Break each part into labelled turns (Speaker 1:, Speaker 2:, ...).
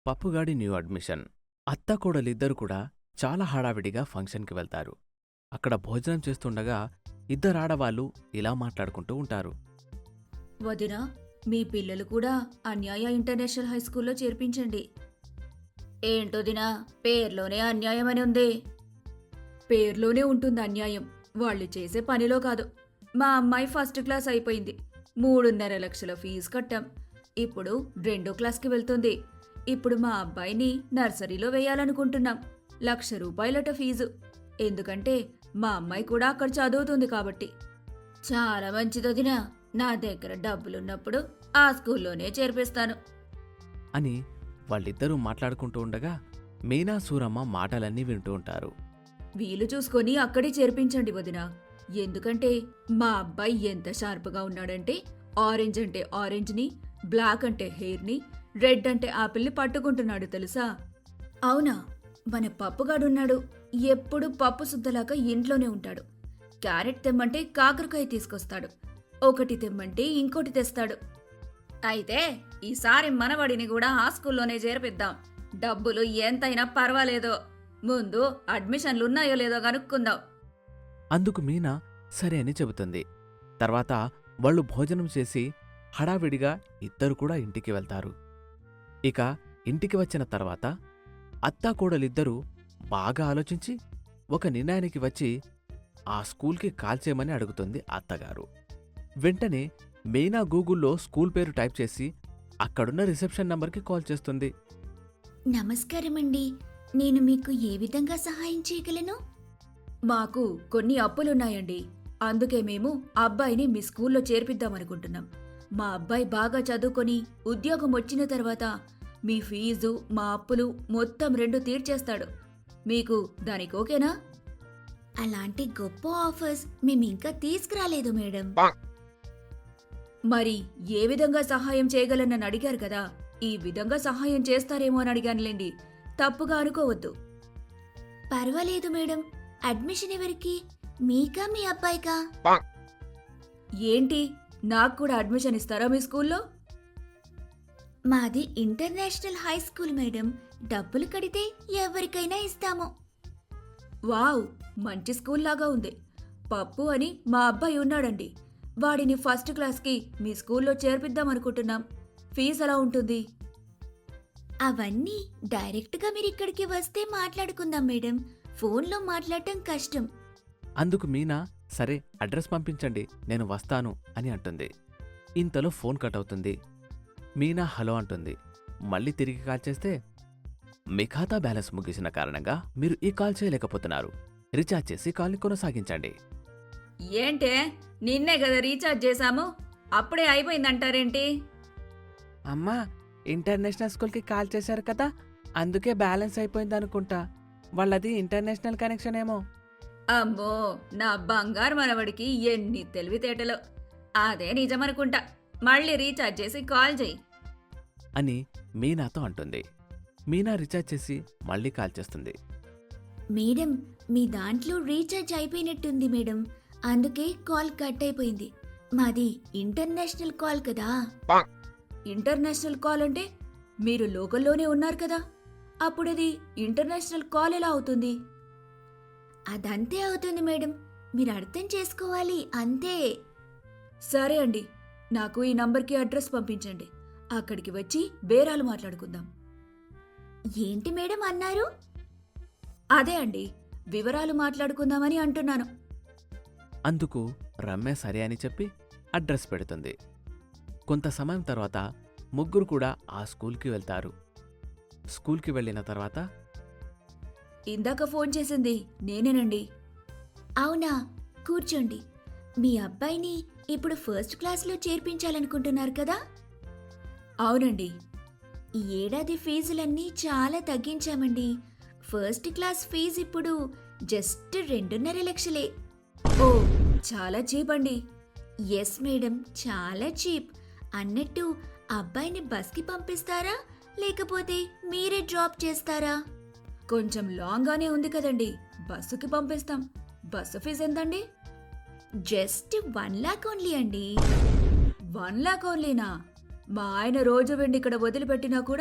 Speaker 1: పప్పుగాడి new admission. అత్త కోడలిద్దరు కూడా చాలా హడావిడిగా ఫంక్షన్కి వెళ్తారు. అక్కడ భోజనం చేస్తుండగా ఇద్దరాడవాళ్ళు ఇలా మాట్లాడుకుంటూ ఉంటారు.
Speaker 2: వదినా, మీ పిల్లలు కూడా అన్యాయ ఇంటర్నేషనల్ హై స్కూల్లో చేర్పించండి. ఏంటోదినా, పేర్లోనే అన్యాయం అని ఉంది. పేర్లోనే ఉంటుంది అన్యాయం, వాళ్ళు చేసే పనిలో కాదు. మా అమ్మాయి ఫస్ట్ క్లాస్ అయిపోయింది, 3.5 లక్షల ఫీజు కట్టాం. ఇప్పుడు 2వ క్లాస్కి వెళ్తుంది. ఇప్పుడు మా అబ్బాయిని నర్సరీలో వేయాలనుకుంటున్నాం. 1,00,000 రూపాయలట ఫీజు. ఎందుకంటే మా అమ్మాయి కూడా అక్కడ చదువుతుంది కాబట్టి. చాలా మంచిదొదినా, నా దగ్గర డబ్బులున్నప్పుడు ఆ స్కూల్లోనే చేర్పిస్తాను
Speaker 1: అని వాళ్ళిద్దరూ మాట్లాడుకుంటూ ఉండగా మీనా సూరమ్మ మాటలన్నీ వింటూ ఉంటారు.
Speaker 2: వీలు చూసుకొని అక్కడే చేర్పించండి వదినా. ఎందుకంటే మా అబ్బాయి ఎంత షార్ప్గా ఉన్నాడంటే ఆరెంజ్ అంటే ఆరెంజ్ని, బ్లాక్ అంటే హెయిర్ని, రెడ్ అంటే ఆపిల్ని పట్టుకుంటున్నాడు తెలుసా. అవునా, మన పప్పుగాడున్నాడు, ఎప్పుడు పప్పు సుద్దలాగా ఇంట్లోనే ఉంటాడు. క్యారెట్ తెమ్మంటే కాకరకాయ తీసుకొస్తాడు, ఒకటి తెమ్మంటే ఇంకోటి తెస్తాడు. అయితే ఈసారి మనవడిని కూడా ఆ స్కూల్లోనే చేర్పిద్దాం. డబ్బులు ఎంతైనా పర్వాలేదో, ముందు అడ్మిషన్లున్నాయో లేదో కనుక్కుందాం.
Speaker 1: అందుకు మీనా సరే అని చెబుతుంది. తర్వాత వాళ్ళు భోజనం చేసి హడావిడిగా ఇద్దరు కూడా ఇంటికి వెళ్తారు. ఇక ఇంటికి వచ్చిన తర్వాత అత్తాకోడలిద్దరూ బాగా ఆలోచించి ఒక నిర్ణయానికి వచ్చి ఆ స్కూల్కి కాల్ చేయమని అడుగుతుంది అత్తగారు. వెంటనే మీనా గూగుల్లో స్కూల్ పేరు టైప్ చేసి అక్కడున్న రిసెప్షన్ నంబర్కి కాల్ చేస్తుంది.
Speaker 2: నమస్కారమండి, నేను మీకు ఏ విధంగా సహాయం చేయగలను? మాకు కొన్ని అప్పులున్నాయండి, అందుకే మేము అబ్బాయిని మీ స్కూల్లో చేర్పిద్దామనుకుంటున్నాం. మా అబ్బాయి బాగా చదువుకొని ఉద్యోగం వచ్చిన తర్వాత మీ ఫీజు, మా అప్పులు మొత్తం 2 తీర్చేస్తాడు. మీకు దానికి ఓకేనా? అలాంటి గొప్ప ఆఫర్స్ మేమింకా తీసుకురాలేదు మేడం. మరి ఏ విధంగా సహాయం చేయగలనని అడిగారు కదా, ఈ విధంగా సహాయం చేస్తారేమో అని అడిగానులేండి, తప్పుగా అనుకోవద్దు. పర్వాలేదు మేడం. అడ్మిషన్ ఎవరికి, మీకా మీ అబ్బాయికా? ఏంటి, నాకు కూడా అడ్మిషన్ ఇస్తారా మీ స్కూల్లో? మాది ఇంటర్నేషనల్ హై స్కూల్ మేడం, డబ్బులు కడితే ఎవరికైనా ఇస్తాము. వావ్, మంచి స్కూల్ లాగా ఉంది. పప్పు అని మా అబ్బాయి ఉన్నాడండి, వాడిని ఫస్ట్ క్లాస్కి మీ స్కూల్లో చేర్పిద్దామనుకుంటున్నాం. ఫీజు ఎలా ఉంటుంది? అవన్నీ డైరెక్ట్గా మీరు ఇక్కడికి వస్తే మాట్లాడుకుందాం మేడం, ఫోన్లో మాట్లాడటం కష్టం.
Speaker 1: అందుకు మీనా సరే అడ్రస్ పంపించండి, నేను వస్తాను అని అంటుంది. ఇంతలో ఫోన్ కట్ అవుతుంది. మీనా హలో అంటుంది. మళ్ళీ తిరిగి కాల్ చేస్తే మీ ఖాతా బ్యాలెన్స్ ముగిసిన కారణంగా మీరు ఈ కాల్ చేయలేకపోతున్నారు, రీఛార్జ్ చేసి కాల్ని కొనసాగించండి.
Speaker 2: ఏంటే, నిన్నే కదా రీఛార్జ్ చేశాము, అప్పుడే అయిపోయిందంటారేంటి?
Speaker 1: అమ్మా, ఇంటర్నేషనల్ స్కూల్కి కాల్ చేశారు కదా, అందుకే బ్యాలెన్స్ అయిపోయింది అనుకుంటా. వాళ్ళది ఇంటర్నేషనల్ కనెక్షన్ ఏమో.
Speaker 2: అమ్మో, నా బంగారు మనవడికి ఎన్ని తెలివితేటలో. అదే నిజమనుకుంటా, మళ్ళీ రీఛార్జ్ చేసి కాల్ చేయి
Speaker 1: అని మీనాతో అంటుంది. మీనా రీఛార్జ్ చేసి మళ్ళీ కాల్ చేస్తుంది.
Speaker 2: మేడం, మీ దాంట్లో రీఛార్జ్ అయిపోయినట్టుంది మేడం, అందుకే కాల్ కట్ అయిపోయింది. మాది ఇంటర్నేషనల్ కాల్ కదా. ఇంటర్నేషనల్ కాల్ అంటే మీరు లోకల్లోనే ఉన్నారు కదా, అప్పుడది ఇంటర్నేషనల్ కాల్ ఎలా అవుతుంది? అదంతే అవుతుంది మేడం, మీరు అర్థం చేసుకోవాలి అంతే. సరే అండి, నాకు ఈ నంబర్కి అడ్రస్ పంపించండి, అక్కడికి వచ్చి బేరాలు మాట్లాడుకుందాం. ఏంటి మేడం అన్నారు? అదే అండి, వివరాలు మాట్లాడుకుందామని అంటున్నాను.
Speaker 1: అందుకు రమ్య సరే అని చెప్పి అడ్రస్ పెడుతుంది. కొంత సమయం తర్వాత ముగ్గురు కూడా ఆ స్కూల్కి వెళ్తారు. స్కూల్కి వెళ్ళిన తర్వాత
Speaker 2: ఇందాక ఫోన్ చేసింది నేనేనండి. అవునా, కూర్చోండి. మీ అబ్బాయిని ఇప్పుడు ఫస్ట్ క్లాస్లో చేర్పించాలనుకుంటున్నారు కదా? అవునండి. ఈ ఏడాది ఫీజులన్నీ చాలా తగ్గించామండి. ఫస్ట్ క్లాస్ ఫీజు ఇప్పుడు జస్ట్ 2.5 లక్షలే. ఓ, చాలా చీప్ అండి. ఎస్ మేడం, చాలా చీప్. అన్నట్టు అబ్బాయిని బస్కి పంపిస్తారా, లేకపోతే మీరే డ్రాప్ చేస్తారా? కొంచెం లాంగ్గానే ఉంది కదండి, బస్సుకి పంపిస్తాం. బస్సు ఫీజు ఎంతండి? జస్ట్ 1 లాక్ ఓన్లీ అండి. 1 లాక్ ఓన్లీనా? మా ఆయన రోజు వెండి ఇక్కడ వదిలిపెట్టినా కూడా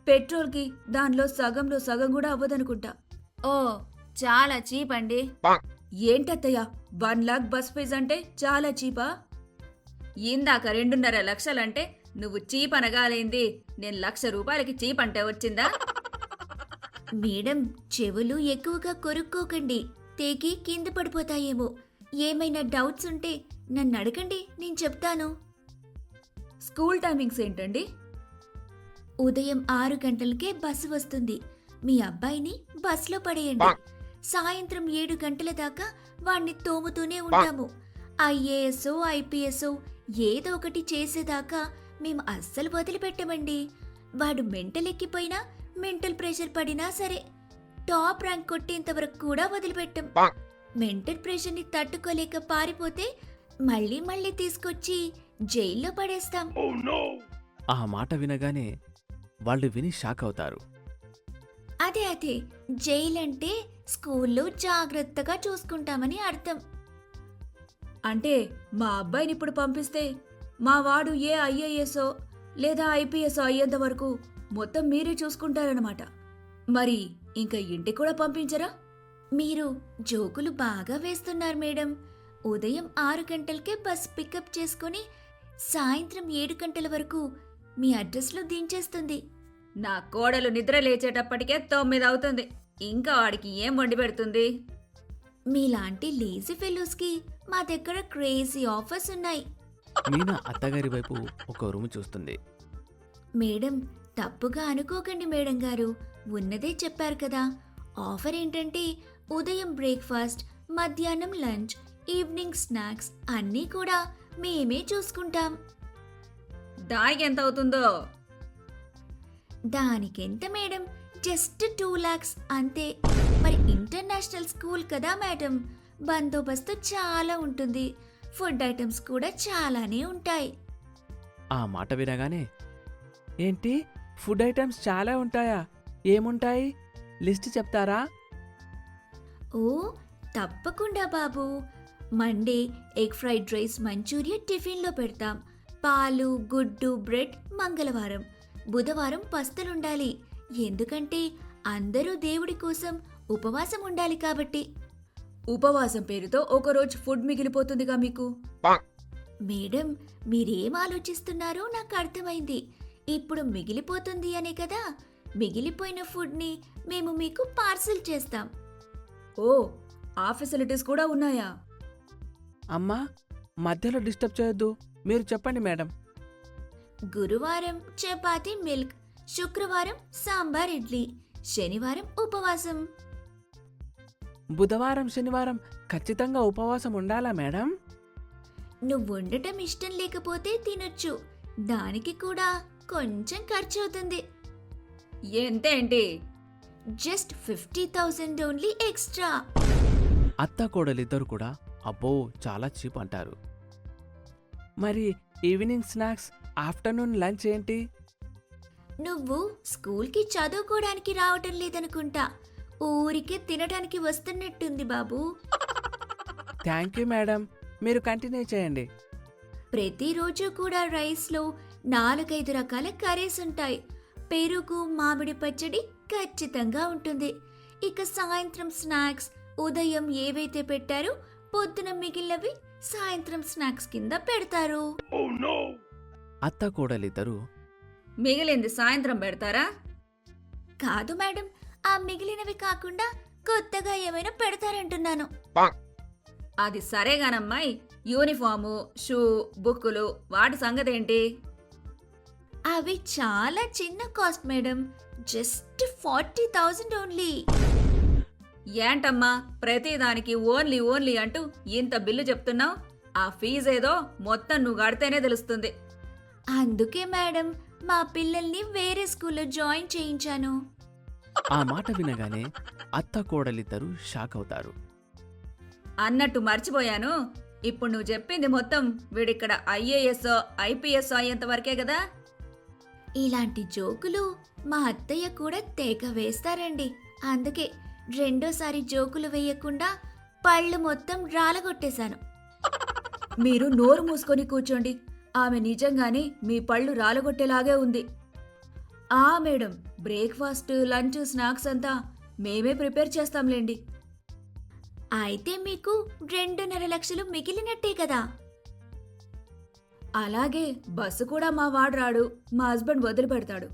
Speaker 2: పెట్రోల్కి దానిలో సగంలో సగం కూడా అవ్వదనుకుంటా. ఓ చాలా చీప్ అండి. ఏంటత్తయ్య 1 లాక్ బస్ ఫీజ్ అంటే చాలా చీపా? ఇందాక 2.5 లక్షలంటే నువ్వు చీప్ అనగాలేంది, నేను ₹1,00,000 చీప్ అంటే వచ్చిందా? మేడం, చెవులు ఎక్కువగా కొరుక్కోకండి, తెగి కింద పడిపోతాయేమో. ఏమైనా డౌట్స్ ఉంటే నన్ను అడగండి, నేను చెప్తాను. స్కూల్ టైమింగ్స్ ఏంటండి? ఉదయం 6 గంటలకే బస్సు వస్తుంది. మీ అబ్బాయిని బస్సులో పడేయండి. సాయంత్రం 7 గంటల దాకా వాణ్ణి తోముతూనే ఉంటాము. ఐఏఎస్ ఐపీఎస్ ఏదో ఒకటి చేసేదాకా మేము అస్సలు వదిలిపెట్టమండి. వాడు మెంటల్ ఎక్కిపోయినా, మెంటల్ ప్రెషర్ పడినా సరే టాప్ ర్యాంక్ కొట్టేంత వరకు కూడా వదిలిపెట్టం. మెంటల్ ప్రెషర్ని తట్టుకోలేక పారిపోతే మళ్ళీ మళ్ళీ తీసుకొచ్చి జైల్లో పడేస్తాం.
Speaker 1: ఆ మాట వినగానే వాళ్ళు విని షాక్ అవుతారు.
Speaker 2: అదే జైలు అంటే స్కూల్లో జాగ్రత్తగా చూసుకుంటామని అర్థం. అంటే మా అబ్బాయిని ఇప్పుడు పంపిస్తే మా వాడు ఏ ఐఏఎస్ఓ లేదా ఐపీఎస్ అయ్యేంత వరకు మొత్తం మీరే చూసుకుంటారన్నమాట. మరి ఇంకా ఇంటికి కూడా పంపించరా? మీరు జోకులు బాగా వేస్తున్నారు మేడం. ఉదయం 6 గంటలకే బస్ పికప్ చేసుకుని సాయంత్రం 7 గంటల వరకు మీ అడ్రస్లో దించేస్తుంది. నా కోడలు నిద్ర లేచేటప్పటికే 9 అవుతుంది. ఇంకా వాడికి ఏం వండి పెడుతుంది? మీలాంటి లేజీ ఫెలోస్కి మా దగ్గర క్రేజీ ఆఫర్స్ ఉన్నాయి.
Speaker 1: మీనా అత్తగారి వైపు ఒక రూము చూస్తుంది.
Speaker 2: మేడం, తప్పుగా అనుకోకండి మేడం గారు, ఉన్నదే చెప్పారు కదా. ఆఫర్ ఏంటంటే ఉదయం బ్రేక్ఫాస్ట్, మధ్యాహ్నం లంచ్, ఈవినింగ్ స్నాక్స్ అన్నీ కూడా మేమే చూసుకుంటాం. దానికి ఎంత అవుతుందో? దానికెంత మేడం, జస్ట్ 2 lakhs అంతే. మరి ఇంటర్నేషనల్ స్కూల్ కదా మేడం, బందోబస్తు చాలా ఉంటుంది. ఫుడ్ ఐటమ్స్ కూడా చాలానే ఉంటాయి.
Speaker 1: ఆ మాట వినగానే, ఏంటి ఫుడ్ ఐటమ్స్ చాలా ఉంటాయా? ఏముంటాయి? లిస్ట్ చెప్తారా?
Speaker 2: ఓ తప్పకుండా బాబు. Monday egg fried rice manchuria టిఫిన్లో పెడతాం. పాలు, గుడ్డు, బ్రెడ్ మంగళవారం. బుధవారం పస్తులుండాలి, ఎందుకంటే అందరూ దేవుడి కోసం ఉపవాసం ఉండాలి కాబట్టి. ఉపవాసం పేరుతో ఒకరోజు ఫుడ్ మిగిలిపోతుందిగా మీకు. మేడం, మీరేం ఆలోచిస్తున్నారో నాకు అర్థమైంది. ఇప్పుడు మిగిలిపోతుంది అనే కదా, మిగిలిపోయిన ఫుడ్ని మేము మీకు పార్సిల్ చేస్తాం. ఓ, ఆ ఫెసిలిటీస్ కూడా ఉన్నాయా?
Speaker 1: అమ్మా, మధ్యలో డిస్టర్బ్ చేయొద్దు, మీరు చెప్పండి మేడం.
Speaker 2: గురువారం చపాతీ మిల్క్, శుక్రవారం సాంబార్ ఇడ్లీ, శనివారం ఉపవాసం.
Speaker 1: బుధవారం శనివారం ఖచ్చితంగా ఉపవాసం ఉండాలా మేడం?
Speaker 2: నువ్వు వండటం ఇష్టం లేకపోతే తినొచ్చు, దానికి కూడా కొంచెం ఖర్చు అవుతుంది. ఎంతేంటి? Just 50,000 only extra.
Speaker 1: అత్త కోడలిద్దరు కూడా అబ్బో చాలా చీప్ అంటారు. మరి ఈవినింగ్ స్నాక్స్, ఆఫ్టర్నూన్ లంచ్ ఏంటి?
Speaker 2: నువ్వు స్కూల్కి చదువుకోవడానికి రావటం లేదనుకుంటా, ఊరికే తినడానికి వస్తున్నట్టుంది బాబు.
Speaker 1: థ్యాంక్ యూ మేడం, మీరు కంటిన్యూ చేయండి.
Speaker 2: ప్రతిరోజు కూడా రైస్లో 4-5 రకాల కర్రీస్ ఉంటాయి. పెరుగు, మామిడి పచ్చడి ఖచ్చితంగా ఉంటుంది. ఇక సాయంత్రం స్నాక్స్ ఉదయం ఏవైతే పెట్టారో పొద్దున మిగిలినవి సాయంత్రం స్నాక్స్ కింద పెడతారు.
Speaker 1: అత్త కోడలిద్దరు
Speaker 2: మిగిలింది సాయంత్రం పెడతారా? కాదు మేడం, ఆ మిగిలినవి కాకుండా కొత్తగా ఏమైనా పెడతారంటున్నాను. అది సరేగానమ్మాయి, యూనిఫాము, షూ, బుక్కులు వాటి సంగతేంటి? అవి చాలా చిన్న కాస్ట్ మేడం, జస్ట్ 40,000 ఓన్లీ. ఏంటమ్మా ప్రతిదానికి ఓన్లీ ఓన్లీ అంటూ ఇంత బిల్లు చెప్తున్నావు? ఆ ఫీజేదో మొత్తం నువ్వు కడితేనే తెలుస్తుంది. అందుకే మేడం మా పిల్లల్ని వేరే స్కూల్లో జాయిన్ చేయించాను.
Speaker 1: ఆ మాట వినగానే అత్త కోడలిద్దరు షాక్ అవుతారు.
Speaker 2: అన్నట్టు మర్చిపోయాను, ఇప్పుడు నువ్వు చెప్పింది మొత్తం వీడిక్కడ ఐఏఎస్ ఐపీఎస్ అయ్యేంత వరకే కదా? ఇలాంటి జోకులు మా అత్తయ్య కూడా తెగ వేస్తారండి. అందుకే రెండోసారి జోకులు వేయకుండా పళ్ళు మొత్తం రాలగొట్టేశాను. మీరు నోరు మూసుకొని కూర్చోండి, ఆమె నిజంగానే మీ పళ్ళు రాలగొట్టేలాగే ఉంది. మేడం, బ్రేక్ఫాస్ట్, లంచ్, స్నాక్స్ అంతా మేమే ప్రిపేర్ చేస్తాంలేండి. అయితే మీకు 2.5 లక్షలు మిగిలినట్టే కదా. అలాగే బస్సు కూడా మా వాడు రాడు, మా హస్బెండ్ వదిలిపెడతాడు.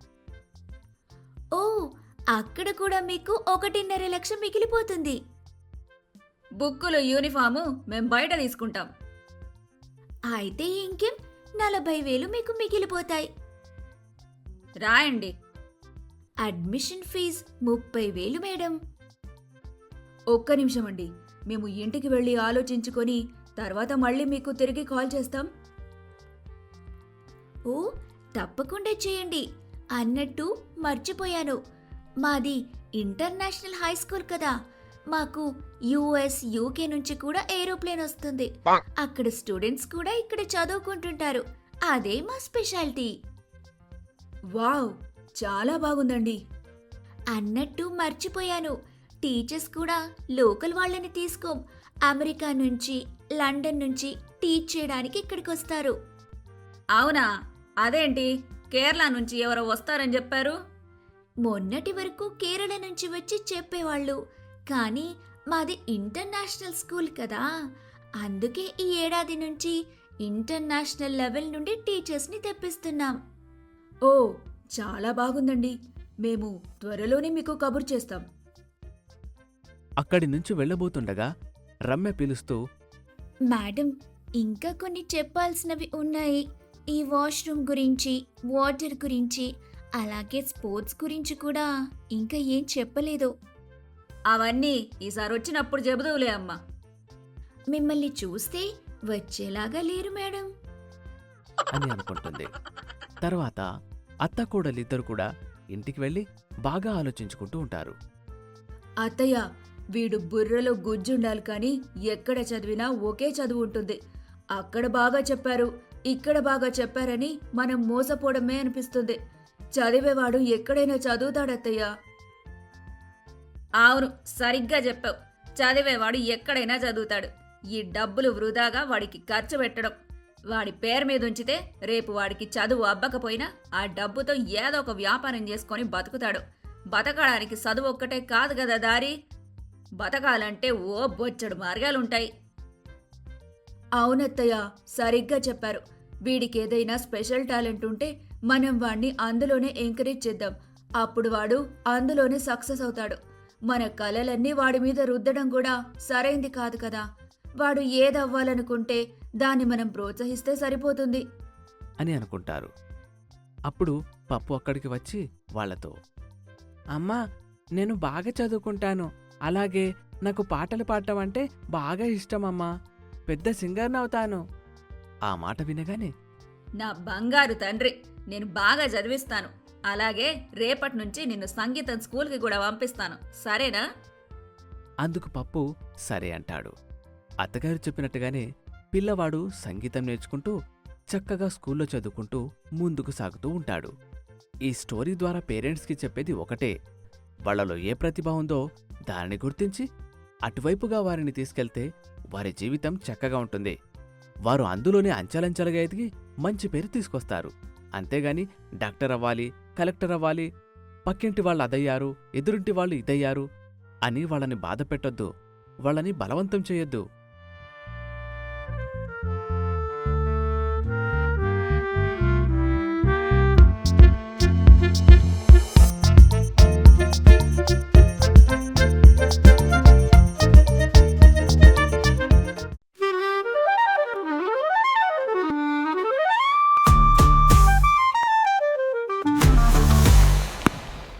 Speaker 2: ఓ, అక్కడ కూడా మీకు 1.5 లక్ష మిగిలిపోతుంది. బుక్కులు, యూనిఫాము మేం బయట తీసుకుంటాం. అయితే ఇంకేం, 40,000 మీకు మిగిలిపోతాయి. రాయండి. Admission fee 30,000 madam. ఒక్క నిమిషం అండి, మేము ఇంటికి వెళ్ళి ఆలోచించుకొని తర్వాత మళ్ళీ మీకు తిరిగి కాల్ చేస్తాం. ఓ, తప్పకుండా చేయండి. అన్నట్టు మర్చిపోయాను, మాది ఇంటర్నేషనల్ హై స్కూల్ కదా. మాకు యుఎస్, యూకే నుంచి కూడా ఏరోప్లేన్ వస్తుంది. అక్కడ స్టూడెంట్స్ కూడా ఇక్కడ చదువుకుంటుంటారు. అదే మా స్పెషాలిటీ. వావ్, చాలా బాగుందండి. అన్నట్టు మర్చిపోయాను, టీచర్స్ కూడా లోకల్ వాళ్ళని తీసుకోం. అమెరికా నుంచి, లండన్ నుంచి టీచ్ చేయడానికి ఇక్కడికి వస్తారు. అవునా? అదేంటి, కేరళ నుంచి ఎవరో వస్తారని చెప్పారు? మొన్నటి వరకు కేరళ నుంచి వచ్చి చెప్పేవాళ్ళు, కానీ మాది ఇంటర్నేషనల్ స్కూల్ కదా, అందుకే ఈ ఏడాది నుంచి ఇంటర్నేషనల్ లెవెల్ నుండి టీచర్స్ని తెప్పిస్తున్నాం. ఓ, చాలా బాగుందండి. మేము త్వరలోనే మీకు కబురు చేస్తాం.
Speaker 1: అక్కడి నుంచి వెళ్ళబోతుండగా రమ్య పిలుస్తూ,
Speaker 2: మేడం, ఇంకా కొన్ని చెప్పాల్సినవి ఉన్నాయి. ఈ వాష్రూమ్ గురించి, వాటర్ గురించి, అలాగే స్పోర్ట్స్ గురించి కూడా ఇంకా ఏం చెప్పలేదు. అవన్నీ ఈసారి వచ్చినప్పుడు చెబుదవులే అమ్మా. మిమ్మల్ని చూస్తే వచ్చేలాగా లేరు మేడం
Speaker 1: అని అనుకుంటుంది. తర్వాత అత్తకోడలిద్దరు కూడా ఇంటికి వెళ్ళి బాగా ఆలోచించుకుంటూ ఉంటారు.
Speaker 2: అత్తయ్య, వీడు బుర్రలో గుజ్జుండాలి కానీ ఎక్కడ చదివినా ఒకే చదువు ఉంటుంది. అక్కడ బాగా చెప్పారు, ఇక్కడ బాగా చెప్పారని మనం మోసపోవడమే అనిపిస్తుంది. చదివేవాడు ఎక్కడైనా చదువుతాడత్తయ్య. అవును, సరిగ్గా చెప్పావు. చదివేవాడు ఎక్కడైనా చదువుతాడు. ఈ డబ్బులు వృధాగా వాడికి ఖర్చు పెట్టడం. వాడి పేరు మీద ఉంచితే రేపు వాడికి చదువు అబ్బకపోయినా ఆ డబ్బుతో ఏదో ఒక వ్యాపారం చేసుకొని బతుకుతాడు. బతకడానికి చదువు ఒక్కటే కాదు కదా దారి. బతకాలంటే ఓ బొచ్చడు మార్గాలుంటాయి. అవునత్తయ్య, సరిగ్గా చెప్పారు. వీడికి ఏదైనా స్పెషల్ టాలెంట్ ఉంటే మనం వాణ్ణి అందులోనే ఎంకరేజ్ చేద్దాం. అప్పుడు వాడు అందులోనే సక్సెస్ అవుతాడు. మన కలలన్నీ వాడి మీద రుద్దడం కూడా సరైంది కాదు కదా. వాడు ఏదవ్వాలనుకుంటే దాన్ని మనం ప్రోత్సహిస్తే సరిపోతుంది
Speaker 1: అని అనుకుంటారు. అప్పుడు పప్పు అక్కడికి వచ్చి వాళ్లతో, అమ్మా, నేను బాగా చదువుకుంటాను, అలాగే నాకు పాటలు పాడటం అంటే బాగా ఇష్టమమ్మా, పెద్ద సింగర్నవుతాను. ఆ మాట వినగానే,
Speaker 2: నా బంగారు తండ్రి, నేను బాగా చదివిస్తాను. అలాగే రేపటి నుంచి నిన్ను సంగీతం స్కూల్కి కూడా పంపిస్తాను, సరేనా?
Speaker 1: అందుకు పప్పు సరే అంటాడు. అత్తగారు చెప్పినట్టుగానే పిల్లవాడు సంగీతం నేర్చుకుంటూ చక్కగా స్కూల్లో చదువుకుంటూ ముందుకు సాగుతూ ఉంటాడు. ఈ స్టోరీ ద్వారా పేరెంట్స్కి చెప్పేది ఒకటే, వాళ్లలో ఏ ప్రతిభ ఉందో దానిని గుర్తించి అటువైపుగా వారిని తీసుకెళ్తే వారి జీవితం చక్కగా ఉంటుంది. వారు అందులోనే అంచెలంచెలుగా ఎదిగి మంచి పేరు తీసుకొస్తారు. అంతేగాని డాక్టర్ అవ్వాలి, కలెక్టర్ అవ్వాలి, పక్కింటి వాళ్ళు అదయ్యారు, ఎదురింటి వాళ్ళు ఇదయ్యారు అని వాళ్ళని బాధ పెట్టొద్దు, వాళ్ళని బలవంతం చేయొద్దు.